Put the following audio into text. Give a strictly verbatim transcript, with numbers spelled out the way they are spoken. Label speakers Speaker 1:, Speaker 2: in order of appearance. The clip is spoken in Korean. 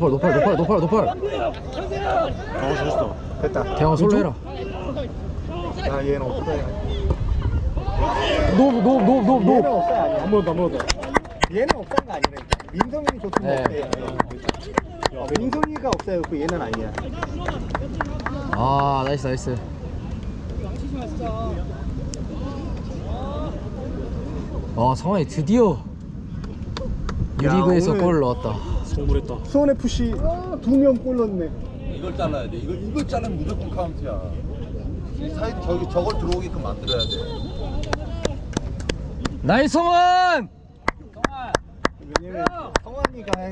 Speaker 1: 노팔 노팔 노팔 노팔 노팔.
Speaker 2: 어 좋았어. 됐다.
Speaker 1: 대왕 솔로 해라.
Speaker 2: 야 얘는 없어야.
Speaker 1: 노노노노노
Speaker 2: 얘는 없어야 아니야. 한 번 더, 한 번 더. 얘는 없어가 아니라니까. 민성이 좋으면
Speaker 1: 네.
Speaker 2: 없어요. 민성이가 없어요. 그 얘는 아니야.
Speaker 1: 아 나이스 나이스. 아 상황이 드디어 유리그에서
Speaker 2: 오늘-
Speaker 1: 골을 넣었다.
Speaker 3: 성불했다.
Speaker 2: 수원 에프씨 두 명 골 넣네.
Speaker 4: 이걸 잘라야 돼. 이걸 이걸 자르면 무조건 카운트야. 이 사이 저기 저걸 들어오게끔 만들어야 돼.
Speaker 1: 나이스 성원.
Speaker 2: 왜냐면 성환이가